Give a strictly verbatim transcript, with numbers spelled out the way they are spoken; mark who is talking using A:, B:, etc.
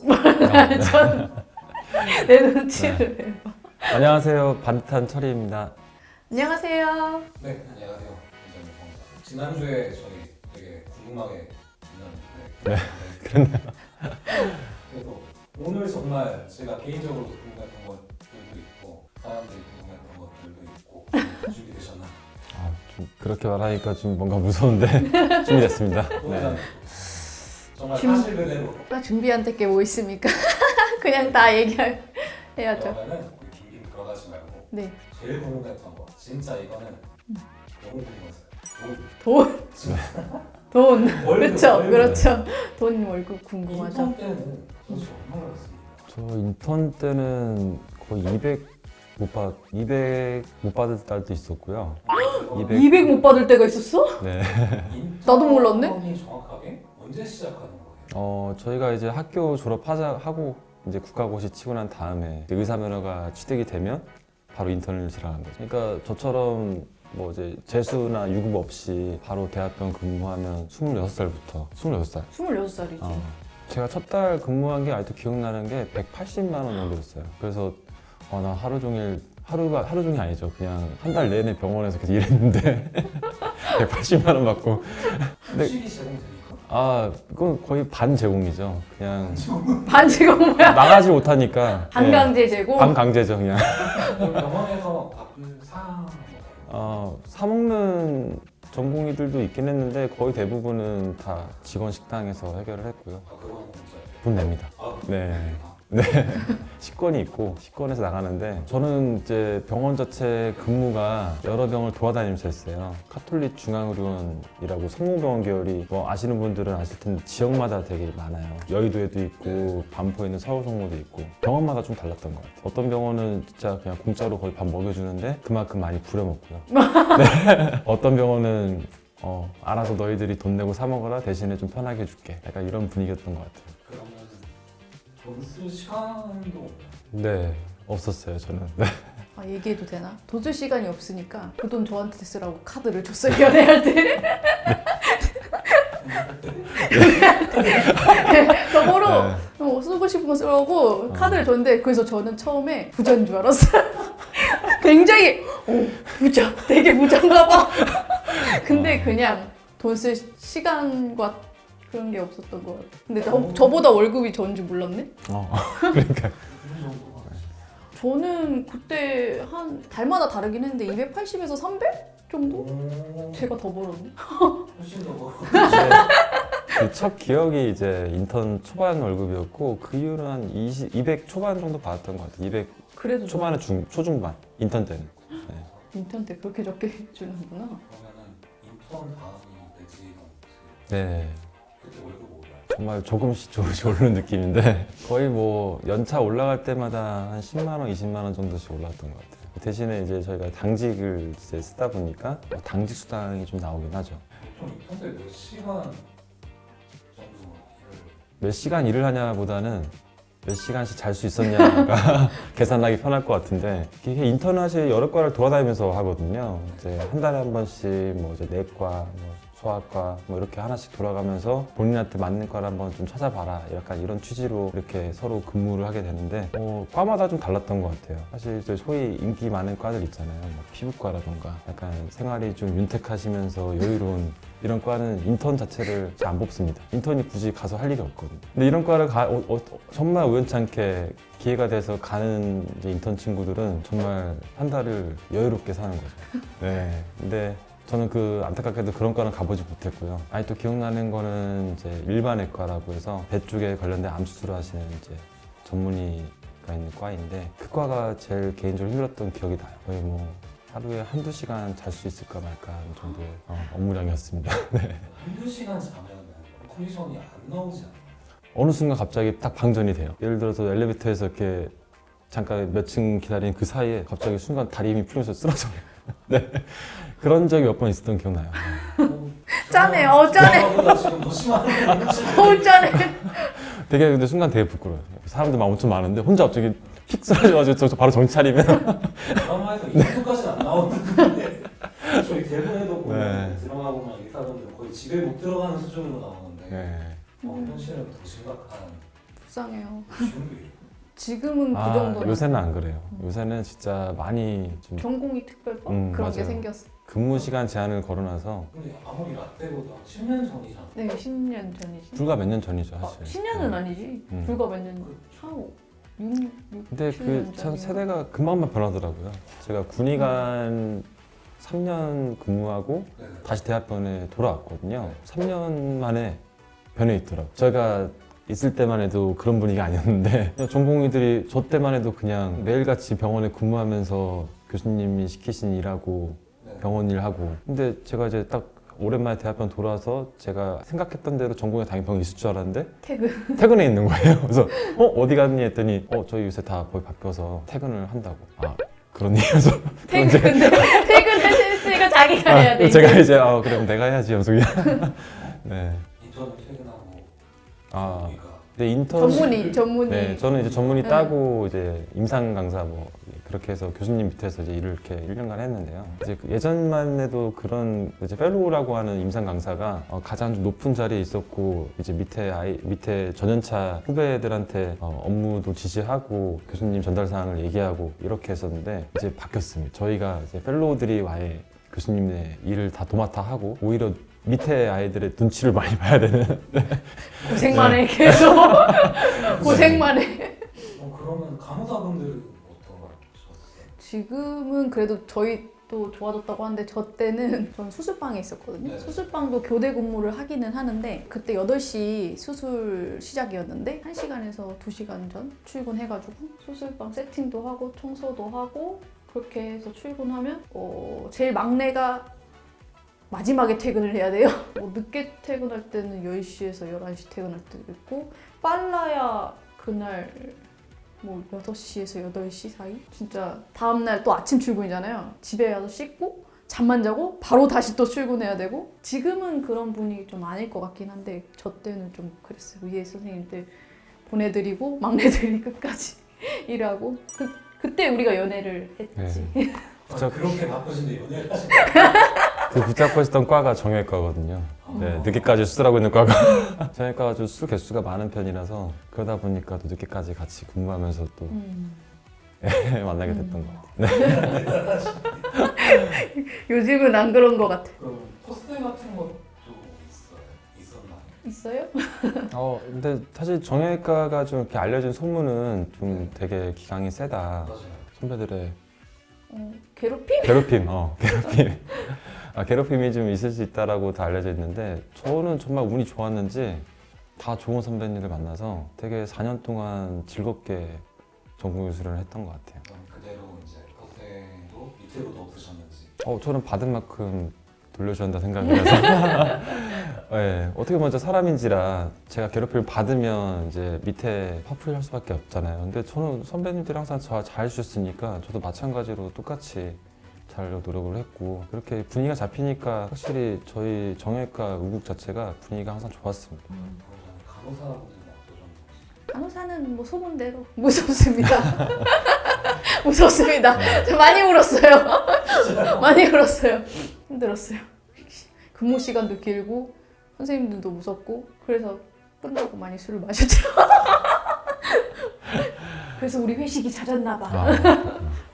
A: 내 눈치를 네.
B: 안녕하세요. 반듯한 철이입니다.
A: 안녕하세요.
C: 네, 안녕하세요. 이정입니다. 지난주에 저희 되게 궁금하게 만났는데
B: 네, 그렇네요.
C: 그래서 오늘 정말 제가 개인적으로 궁금했던 것들도 있고 사람들이 궁금했던 것들도 있고 준비되셨나요?
B: 아, 좀 그렇게 말하니까 좀 뭔가 무서운데 준비됐습니다.
C: 오늘
B: 네.
C: 정말
A: 준-
C: 사실 그대로
A: 나 준비한 게 뭐 있습니까? 그냥 다 얘기해야죠.
C: 그러면은 우리 긴긴 들어가지 말고
A: 네.
C: 제일 궁금했던 거 진짜 이거는 너무 궁금했어요.
A: 돈.
C: 진짜.
A: 돈.
C: 월급,
A: 그렇죠.
C: 월급.
A: 그렇죠. 돈 월급 궁금하죠.
C: 인턴 때는 도대체 얼마나 받았습니까?
B: 저 인턴 때는 거의 이백 못 받, 이백 못 받을 달도 있었고요. 이백.
A: 이백 못 받을 때가 있었어?
B: 네.
A: 나도 몰랐네?
C: 인턴이 정확하게 언제 시작하는 거예요?
B: 어, 저희가 이제 학교 졸업하자 하고 이제 국가고시 치고 난 다음에 의사 면허가 취득이 되면 바로 인턴을 시작하는 거죠. 그러니까 저처럼 뭐 이제 재수나 유급 없이 바로 대학병 근무하면 스물여섯 살부터 스물여섯 살.
A: 스물여섯 살이지.
B: 어. 제가 첫 달 근무한 게 아직도 기억나는 게 백팔십만 원 정도였어요. 그래서 어, 나 하루 종일 하루가 하루 종일 아니죠. 그냥 한 달 내내 병원에서 계속 일했는데 백팔십만 원 받고 네.
C: 휴식이 제공되니까?
B: 아 그건 거의 반 제공이죠. 그냥
A: 반지가 뭐야?
B: 나가지 못하니까
A: 반강제
B: 네,
A: 제고.
B: 반강제죠 그냥.
C: 그럼 병원에서 밥을 사 먹어요?
B: 어, 사 먹는 전공의들도 있긴 했는데 거의 대부분은 다 직원 식당에서 해결을 했고요.
C: 아 그거는 진짜
B: 돈 냅니다.
C: 아,
B: 네. 네. 식권이 있고 식권에서 나가는데 저는 이제 병원 자체 근무가 여러 병을 돌아다니면서 했어요. 카톨릭 중앙의료원이라고 성모병원 계열이 뭐 아시는 분들은 아실 텐데 지역마다 되게 많아요. 여의도에도 있고 반포에 있는 서울성모도 있고 병원마다 좀 달랐던 것 같아요. 어떤 병원은 진짜 그냥 공짜로 거의 밥 먹여주는데 그만큼 많이 부려먹고요. 네. 어떤 병원은 어, 알아서 너희들이 돈 내고 사 먹어라 대신에 좀 편하게 해줄게. 약간 이런 분위기였던 것 같아요.
C: 그러면 돈 쓸 시간도
B: 네, 없었어요 저는. 네.
A: 아, 얘기해도 되나? 돈 쓸 시간이 없으니까 그 돈 저한테 쓰라고 카드를 줬어요. 연애할 때. 저보로 어, 쓰고 싶은 거 쓰라고 카드를 줬는데 그래서 저는 처음에 부자인 줄 알았어요. 굉장히 오, 부자, 되게 부자인가 봐. 근데 그냥 돈 쓸 시간과 그런 게 없었던 것 같아요. 근데 저, 저보다 월급이 적은 줄 몰랐네?
B: 어, 그러니까
C: 어느 정도가
A: 저는 그때 한 달마다 다르긴 했는데 이백팔십에서 삼백 정도?
C: 오,
A: 제가 더 벌었네.
C: 훨씬 더 벌어.
B: 그 첫 기억이 이제 인턴 초반 월급이었고 그 이후로 한 이십, 이백 초반 정도 받았던 것 같아요. 이백
A: 그래도 저
B: 초반에 중, 초중반 인턴 때는.
A: 인턴 때 그렇게 적게 주는구나.
C: 그러면은 인턴 다음이 매직은
B: 네,
C: 그때 월급 올라요?
B: 정말 조금씩 조금씩 오르는 느낌인데 거의 뭐 연차 올라갈 때마다 한 십만 원, 이십만 원 정도씩 올랐던 것 같아요. 대신에 이제 저희가 당직을 이제 쓰다 보니까 뭐 당직 수당이 좀 나오긴 하죠.
C: 보통 인턴 때 몇 시간 정도 일을
B: 몇 시간 일을 하냐보다는 몇 시간씩 잘 수 있었냐가 계산하기 편할 것 같은데 이게 인턴은 사실 여러 과를 돌아다니면서 하거든요. 이제 한 달에 한 번씩 뭐 이제 내과, 뭐 소아과 뭐 이렇게 하나씩 돌아가면서 본인한테 맞는 과를 한번 좀 찾아봐라. 약간 이런 취지로 이렇게 서로 근무를 하게 되는데 어, 과마다 좀 달랐던 것 같아요. 사실 이제 소위 인기 많은 과들 있잖아요. 뭐 피부과라던가 약간 생활이 좀 윤택하시면서 여유로운 이런 과는 인턴 자체를 잘 안 뽑습니다. 인턴이 굳이 가서 할 일이 없거든요. 근데 이런 과를 가, 어, 어, 정말 우연찮게 기회가 돼서 가는 이제 인턴 친구들은 정말 한 달을 여유롭게 사는 거죠. 네. 근데 저는 그 안타깝게도 그런 과는 가보지 못했고요. 아니 또 기억나는 거는 이제 일반외과라고 해서 배 쪽에 관련된 암 수술을 하시는 이제 전문의가 있는 과인데 그 과가 제일 개인적으로 힘들었던 기억이 나요. 거의 뭐 하루에 한두 시간 잘 수 있을까 말까 하는 정도의 어, 업무량이었습니다. 네.
C: 한두 시간 자면은 컨디션이 안 나오지 않아요?
B: 어느 순간 갑자기 딱 방전이 돼요. 예를 들어서 엘리베이터에서 이렇게 잠깐 몇 층 기다리는 그 사이에 갑자기 순간 다리 힘이 풀려서 쓰러져요. 네. 그런 적이 몇 번 있었던 기억나요.
A: 짠해, 어 짠해,
C: 보다 지금 더 심하네.
A: 어 짠해.
B: 되게 근데 순간 되게 부끄러워요. 사람들 막 엄청 많은데 혼자 갑자기 픽 쓰러져가지고 저 바로 정신 차리면
C: 드라마에서 이 정도까지는 안 나오는데 저희 대본에도 보면
B: 네.
C: 드라마 보면 의사분들 거의 집에 못 들어가는 수준으로 나오는데
B: 네.
C: 어, 현실은 더 심각한
A: 속상해요.
C: 지금도 이래요.
A: 지금은 그
B: 아,
A: 정도는
B: 요새는 안 그래요. 요새는 진짜 많이 좀
A: 전공이 특별법
B: 음,
A: 그런 게
B: 맞아요.
A: 생겼어.
B: 근무 시간 제한을 걸어놔서
C: 근데 아무리 라떼보다 십 년 전이잖아.
A: 네, 십 년 전이지.
B: 불과 몇 년 전이죠,
A: 아,
B: 사실.
A: 십 년은
B: 네.
A: 아니지.
B: 음.
A: 불과 몇 년, 한 육, 육,
B: 근데
A: 칠
B: 그
A: 년
B: 참
A: 전인가?
B: 세대가 금방만 변하더라고요. 제가 군의관 삼 년 근무하고
C: 네네.
B: 다시 대학병원에 돌아왔거든요. 삼 년 만에 변해 있더라고요. 제가 있을 때만 해도 그런 분위기 아니었는데 전공의들이 저 때만 해도 그냥 매일같이 병원에 근무하면서 교수님이 시키신 일하고
C: 네.
B: 병원 일하고 근데 제가 이제 딱 오랜만에 대학병원 돌아와서 제가 생각했던 대로 전공에 당연히 병원에 있을 줄 알았는데
A: 퇴근.
B: 퇴근해 있는 거예요. 그래서 어 어디 갔니 했더니 어 저희 요새 다 거의 바뀌어서 퇴근을 한다고. 아 그러니 그래서
A: 퇴근, 근데 퇴근했으니까 자기가 해야 돼.
B: 아, 제가 이제 아 그럼 내가 해야지 하면서 그냥 네.
C: 인턴을 퇴근하고
B: 아
C: 우리가
B: 근데 인턴
A: 전문의, 전문의.
B: 네 저는 이제 전문의
A: 네.
B: 따고 이제 임상 강사 뭐 그렇게 해서 교수님 밑에서 이제 일을 이렇게 일 년간 했는데요. 이제 그 예전만 해도 그런 이제 펠로우라고 하는 임상 강사가 어, 가장 좀 높은 자리에 있었고 이제 밑에 아이 밑에 전연차 후배들한테 어, 업무도 지시하고 교수님 전달 사항을 얘기하고 이렇게 했었는데 이제 바뀌었습니다. 저희가 이제 펠로우들이 와해 교수님의 일을 다 도맡아 하고 오히려 밑에 아이들의 눈치를 많이 봐야 되는.
A: 고생만
B: 네.
A: 해, 계속. 고생만 해.
C: 어, 그러면 간호사분들은 어떤 걸 하셨어요?
A: 지금은 그래도 저희 또 좋아졌다고 하는데 저 때는 전 수술방에 있었거든요.
C: 네.
A: 수술방도 교대 근무를 하기는 하는데 그때 여덟 시 수술 시작이었는데 한 시간에서 두 시간 전 출근해가지고 수술방 세팅도 하고 청소도 하고 그렇게 해서 출근하면 어, 제일 막내가 마지막에 퇴근을 해야 돼요. 뭐 늦게 퇴근할 때는 열 시에서 열한 시 퇴근할 때도 있고 빨라야 그날 뭐 여섯 시에서 여덟 시 사이? 진짜 다음날 또 아침 출근이잖아요. 집에 가서 씻고 잠만 자고 바로 다시 또 출근해야 되고 지금은 그런 분위기 좀 아닐 것 같긴 한데 저 때는 좀 그랬어요. 위에 선생님들 보내드리고 막내들이 끝까지 일하고 그, 그때 우리가 연애를 했지.
B: 네.
C: 아, 그렇게 바쁘신데 연애를 하시는
B: 그 붙잡고 있었던 과가 정형외과거든요. 네, 늦게까지 수술하고 있는 과가 정형외과가 좀 수술 개수가 많은 편이라서 그러다 보니까 또 늦게까지 같이 근무하면서 또
A: 음.
B: 만나게 됐던
A: 음.
B: 것 같아요.
A: 요즘은 안 그런 것 같아.
C: 그럼 코스 같은 것도 있어요? 있었나요?
A: 있어요?
B: 어, 근데 사실 정형외과가 좀 이렇게 알려진 소문은 좀 되게 기강이 세다.
C: 맞아요.
B: 선배들의
A: 어, 괴롭힘?
B: 괴롭힘, 어, 괴롭힘. 아, 괴롭힘이 좀 있을 수 있다라고 다 알려져 있는데 저는 정말 운이 좋았는지 다 좋은 선배님들 만나서 되게 사 년 동안 즐겁게 전공의술을 했던 것 같아요.
C: 그럼 그대로 이제 고생도 밑으로도 없으셨는지.
B: 어, 저는 받은 만큼 돌려준다 생각이라서 네, 어떻게 먼저 사람인지라 제가 괴롭힘을 받으면 이제 밑에 화풀이할 수밖에 없잖아요. 근데 저는 선배님들이 항상 저 잘 해주셨으니까 저도 마찬가지로 똑같이 잘 노력을 했고 그렇게 분위기가 잡히니까 확실히 저희 정형외과 의국 자체가 분위기가 항상 좋았습니다.
C: 그러면 간호사분들은 어떠셨나요?
A: 간호사는 뭐 소문대로 무섭습니다. 무섭습니다. 저 많이 울었어요. 많이 울었어요. 힘들었어요. 근무 시간도 길고 선생님들도 무섭고 그래서 끝나고 많이 술을 마셨죠. 그래서 우리 회식이 잦았나 봐.
B: 아,